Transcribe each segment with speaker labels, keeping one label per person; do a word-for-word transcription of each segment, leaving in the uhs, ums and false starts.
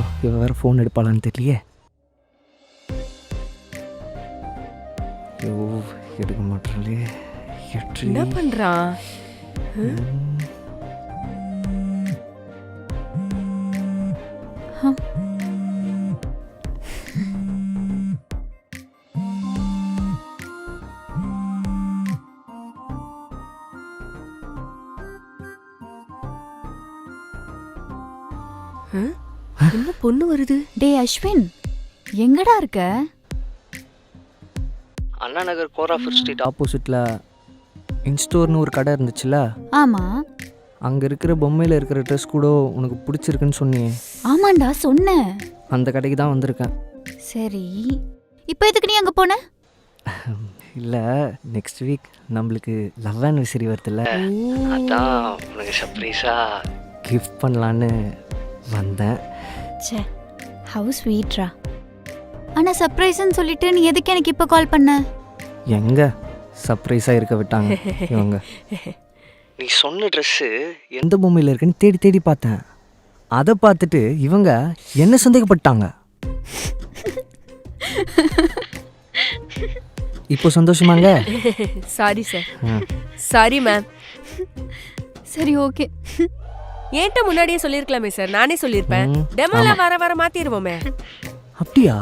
Speaker 1: ஐயோ இவ வேறு ஃபோன் எடுப்பாளான்னு தெரியலையே. ஐயோ எடுக்க மாட்டாளே.
Speaker 2: என்ன பண்றான்? என்ன பொண்ணு வருது?
Speaker 3: டே அஸ்வின், எங்கடா இருக்க?
Speaker 1: அண்ணா நகர் கோராஃபர் ஸ்ட்ரீட் ஆப்போசிட்டில் இன்ஸ்டோர்னு ஒரு கடை இருந்துச்சுல்ல?
Speaker 3: ஆமா.
Speaker 1: அங்கே இருக்கிற பொம்மையில் இருக்கிற ட்ரெஸ் கூட உனக்கு பிடிச்சிருக்குன்னு சொன்னியே.
Speaker 3: ஆமாண்டா சொன்னேன்.
Speaker 1: அந்த கடைக்கு தான் வந்திருக்கேன்.
Speaker 3: சரி, இப்போ எதுக்கு நீ அங்கே போன?
Speaker 1: இல்லை, நெக்ஸ்ட் வீக் நம்மளுக்கு லவ் ஆனிவர்சரி வருதுல்ல, அதான் உனக்கு சர்ப்ரைஸாக கிஃப்ட் பண்ணலான்னு வந்தேன்.
Speaker 3: சே, ஹவு ஸ்வீட்ரா. ஆனால் சர்ப்ரைஸ்ன்னு சொல்லிட்டு நீ எதுக்கு எனக்கு இப்போ கால் பண்ண?
Speaker 1: எங்கே சர்ப்ரைஸாக இருக்க விட்டாங்க இவங்க. நீ சொன்ன ட்ரெஸ்ஸு எந்த பொம்மையில் இருக்குன்னு தேடி தேடி பார்த்தேன். அதை பார்த்துட்டு இவங்க என்ன சந்தேகப்பட்டாங்க. இப்போ சந்தோஷமாங்க?
Speaker 2: Sorry sir. Sorry ma'am.
Speaker 3: சரி ஓகே.
Speaker 2: ஏன்ட்ட முன்னாடியே சொல்லிருக்கலாமே சார், நானே சொல்லிருப்பேன். டெமோல வர வர மாத்திடுவோமே.
Speaker 1: அப்படியா?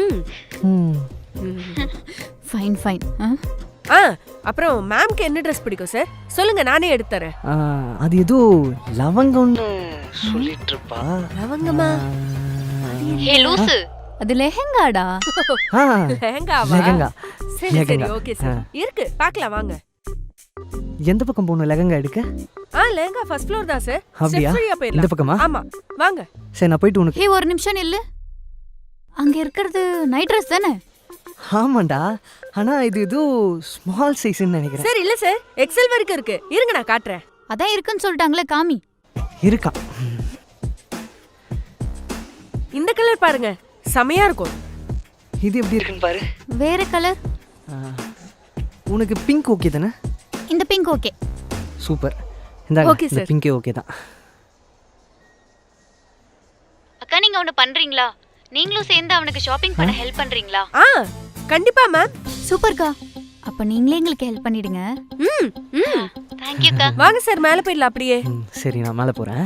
Speaker 3: Fine fine.
Speaker 2: ஆ, அப்புறம் மேம்க்கு என்ன ட்ரெஸ் பிடிக்கும் சார் சொல்லுங்க, நானே எடுத்து தரேன்.
Speaker 1: அது ஏதோ லவங்கம்னு சொல்லிட்டு இருப்பா.
Speaker 2: லவங்கமா?
Speaker 3: ஹே லூசு, அது லெஹெங்காடா.
Speaker 2: லெஹெங்காவா?
Speaker 1: லெஹெங்கா.
Speaker 2: சரி சரி ஓகே சார், இருக்கு பார்க்கலாம் வாங்க.
Speaker 1: எந்த பக்கம் போணும் லெஹெங்கா எடுக்க?
Speaker 2: ஆ, லெஹெங்கா ஃபர்ஸ்ட் ஃப்ளோர் தான் சார்.
Speaker 1: அப்படியா? இந்த பக்கமா?
Speaker 2: ஆமா வாங்க.
Speaker 1: சரி நான் போயிட்டு உனக்கு.
Speaker 3: ஹே ஒரு நிமிஷம் நில்லு. அங்க இருக்கிறது நைட் ட்ரெஸ் தானே?
Speaker 1: ஆமாண்டா, ஆனா இது ஏதோ ஸ்மால் சைஸ்ன்னு நினைக்கிறேன்.
Speaker 2: சார் இல்ல சார், எக்ஸல் வரைக்கும் இருக்கு. இருங்க நான் காட்டுறேன்.
Speaker 3: அதான் இருக்குன்னு சொல்லிட்டாங்களே, காமி.
Speaker 1: இருக்கா?
Speaker 2: இந்த கலர் பாருங்க, செமையா இருக்கும்.
Speaker 1: இது எப்படி இருக்குன்னு பாரு.
Speaker 3: வேற கலர்?
Speaker 1: உனக்கு பிங்க் ஓகே தானே?
Speaker 3: இந்த பிங்க் ஓகே.
Speaker 1: சூப்பர். இந்த
Speaker 2: ஓகே சார்,
Speaker 1: பிங்கே ஓகே தான்.
Speaker 3: அக்கா நீங்க ஒன்னு பண்றீங்களா? நீங்களும் சேர்ந்து அவனுக்கு ஷாப்பிங் பண்ண ஹெல்ப் பண்றீங்களா?
Speaker 2: ஆ கண்டிப்பா மேம்.
Speaker 3: சூப்பர்க்கா. அப்ப நீங்களே எங்களுக்கு ஹெல்ப் பண்ணிடுங்க.
Speaker 2: ம் ம்
Speaker 3: थैंक यू அக்கா.
Speaker 2: வாங்க சார் மேலே போயிடலாம் அப்படியே.
Speaker 1: சரி நான் மேலே போறேன்.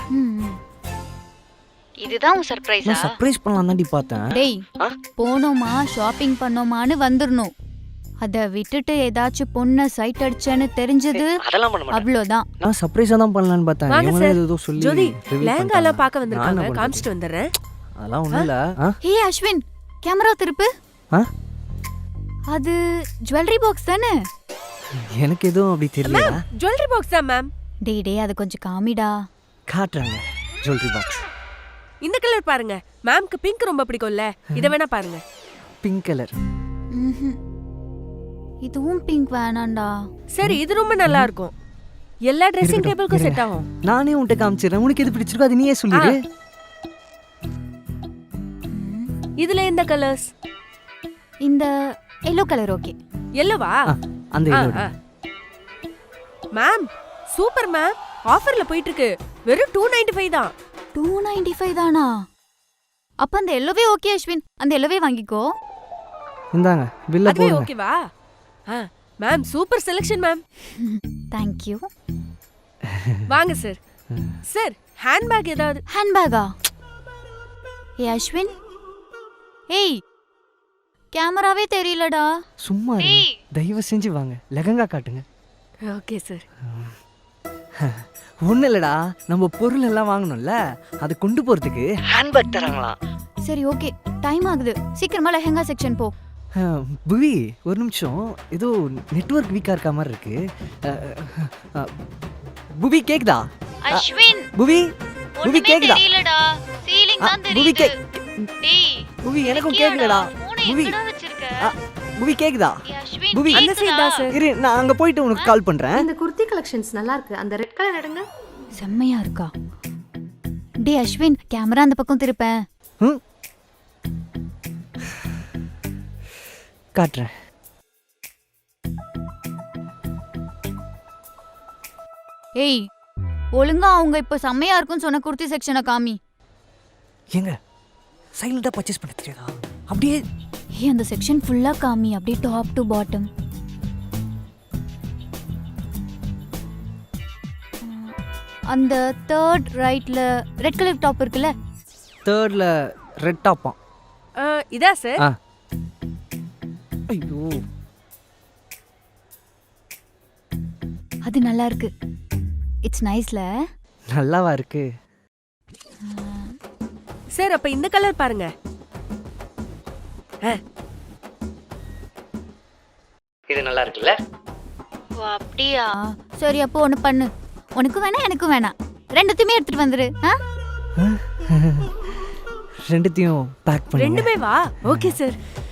Speaker 3: இதுதான் உன் சர்ப்ரைஸா?
Speaker 1: நான் சர்ப்ரைஸ் பண்ணலாம் தாண்டி பார்த்தேன்.
Speaker 3: டேய், போனோமா ஷாப்பிங் பண்ணோமான்னு வந்துடணும். அதை விட்டுட்டு ஏதாச்சும் பொண்ணை சைட் அடிச்சேன்னு தெரிஞ்சது அவ்வளோதான்.
Speaker 1: நான் சர்ப்ரைஸா தான் பண்ணலான்னு பார்த்தேன்.
Speaker 2: வாங்க
Speaker 1: இவங்க
Speaker 2: சார்.
Speaker 1: ஏதோ சொல்லி
Speaker 2: ஜோதி லெஹங்கா பார்க்க வந்திருக்காங்க, காமிச்சிட்டு வந்துறேன்.
Speaker 1: அதெல்லாம் ஒண்ணும் இல்ல.
Speaker 3: ஹே அஸ்வின், கேமரா திருப்பு. அது ஜுவல்லரி பாக்ஸ் தானே?
Speaker 1: எனக்கு எதுவும் அப்படி தெரியல.
Speaker 2: ஜுவல்லரி பாக்ஸ் தான் மேம்.
Speaker 3: டேய் டேய், அது கொஞ்சம் காமிடா.
Speaker 1: காட்டுறாங்க ஜுவல்லரி பாக்ஸ்.
Speaker 2: இந்த கலர் பாருங்க, மேம்க்கு பிங்க் ரொம்ப பிடிக்கும்ல, இத வேணா பாருங்க.
Speaker 1: Pink colour.
Speaker 3: ம்ஹும். இதுவும் பிங்க் வேணாம்டா.
Speaker 2: சரி இது ரொம்ப நல்லா இருக்கும், எல்லா ட்ரெஸ்ஸிங் டேபிளுக்கும் செட் ஆகும்.
Speaker 1: நானே உன்கிட்ட காமிச்சிரேன், உனக்கு எது பிடிச்சிருக்கோ அது நீயே சொல்லிடு.
Speaker 2: இதுல இந்த கலர்ஸ்.
Speaker 3: இந்த எல்லோ கலர் ஓகே.
Speaker 2: எல்லோவா?
Speaker 1: அந்த எல்லோ.
Speaker 2: மேம் சூப்பர் மேம், ஆஃபர்ல போயிட்டு இருக்கு. வெறும் டூ நைன்டி ஃபைவ் தான்.
Speaker 3: டூ நைன்டி ஃபைவ் தானா? அப்ப அந்த எல்லோவே ஓகே அஸ்வின், அந்த எல்லோவே வாங்கிக்கோ.
Speaker 1: இந்தாங்க பில்ல போடுங்க.
Speaker 2: அதுவே ஓகேவா? ஆ ma'am super selection ma'am.
Speaker 3: Thank you.
Speaker 2: வாங்க சார். சார் ஹேண்ட்பேக் ஏதாவது?
Speaker 3: ஹேண்ட்பேக்கா? ஏ அஸ்வின், ஏய் கேமராவே தெரியலடா.
Speaker 1: சும்மா தயவு செஞ்சு வாங்க, லெஹங்கா காட்டுங்க.
Speaker 2: Okay sir.
Speaker 1: ஒன்றும் இல்லைடா, நம்ம பொருள் எல்லாம் வாங்கணும்ல, அதை கொண்டு போகிறதுக்கு ஹேண்ட்பேக் தராங்களாம்.
Speaker 3: சரி ஓகே, டைம் ஆகுது, சீக்கிரமா லெஹங்கா செக்ஷன் போ.
Speaker 1: புவி ஒரு நிமிஷம், ஏதோ நெட்வொர்க் வீக்காக இருக்க மாதிரி இருக்கு. புவி கேக்குதா?
Speaker 3: அஸ்வின்
Speaker 1: புவி புவி கேக்குதா?
Speaker 3: தெரியலடா, சீலிங் தான்
Speaker 1: புவி
Speaker 3: தெரியுது.
Speaker 1: கே
Speaker 3: டேய்
Speaker 1: புவி எனக்கும் கேக்குதடா. புவி புவி கேக்குதா? புவி
Speaker 2: அந்த சைடு தான் சார்.
Speaker 1: இரு நான் அங்க போயிட்டு உனக்கு கால் பண்றேன்.
Speaker 4: இந்த குர்த்தி கலெக்ஷன்ஸ் நல்லா இருக்கு, அந்த ரெட் கலர் எடுங்க.
Speaker 3: செம்மையா இருக்கா? டேய் அஸ்வின், கேமரா அந்த பக்கம் திருப்பேன்.
Speaker 1: ம் காட்டுறேன்.
Speaker 3: ஏய் ஒழுங்கா அவங்க இப்ப செம்மையா இருக்குன்னு சொன்ன குர்த்தி செக்ஷனை காமி.
Speaker 1: எங்க சைலண்டாக பர்ச்சேஸ் பண்ண தெரியாதா? அப்படியே
Speaker 3: ஏ அந்த செக்ஷன் ஃபுல்லா காமி, அப்படியே டாப் டு பாட்டம். அந்த தேர்ட் ரைட்ல ரெட் கலர் டாப் இருக்குல்ல,
Speaker 1: தேர்டில் ரெட் டாப்பான்.
Speaker 2: ஆ, இதா சார்?
Speaker 1: ஆ ஐயோ
Speaker 3: அது நல்லா இருக்கு. இட்ஸ் நைஸ்ல.
Speaker 1: நல்லாவா இருக்கு?
Speaker 2: சார் அப்ப இந்த கலர் பாருங்க.
Speaker 1: இது நல்லா இருக்குல்ல?
Speaker 3: ஓ அப்படியா? சரி அப்போ ஒன்று பண்ணு, உனக்கும் வேணாம் எனக்கும் வேணாம், ரெண்டுத்தையுமே எடுத்துட்டு வந்துரு. ஆ
Speaker 1: ரெண்டுத்தையும் பேக் பண்ணி
Speaker 2: ரெண்டுமே வா. Okay sir.